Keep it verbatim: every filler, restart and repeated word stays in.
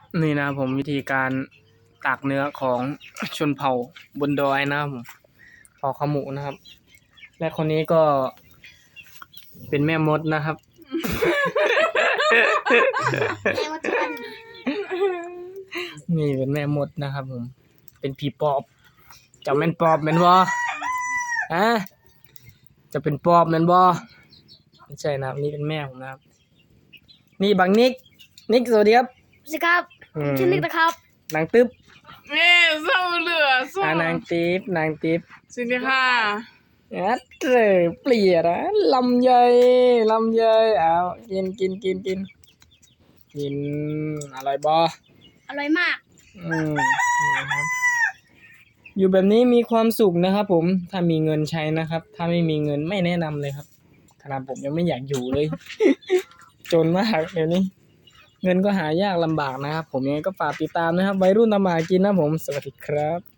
นี่นะผมวิธีการตากเนื้อของชนเผ่าบนดอยนะครับผมเผ่าขมุนะครับ และคนนี้ก็เป็นแม่มดนะครับแม่ว่าจะเป็นนี่เป็นแม่มดนะครับผมเป็นผีปอบจะแม่นปอบแม่นบ่ฮะจะเป็นปอบแม่นบ่ไม่ใช่นะครับนี่เป็นแม่ผมนะครับนี่บังนิกนิกสวัสดีครับสวัสดีครับชื่อนิกนะครับนางตึ๊บเน่เศร้าเหลือสู้อ่านางติ๊บนางติ๊บสวัสดีค่ะอัดเร่เปลี่ยนนะลำไยลำไยเอากินกินกินกินกินอร่อยบ่อร่อยมากอืมนะครับอยู่แบบนี้มีความสุขนะครับผมถ้ามีเงินใช้นะครับ ถ้าไม่มีเงินไม่แนะนำเลยครับขนาดผมยังไม่อยากอยู่เลย จนมากเดี๋ยวนี้ เงินก็หายากลำบากนะครับผมยังไงก็ฝากติดตามนะครับวัยรุ่นทำมาหากินนะผมสวัสดีครับ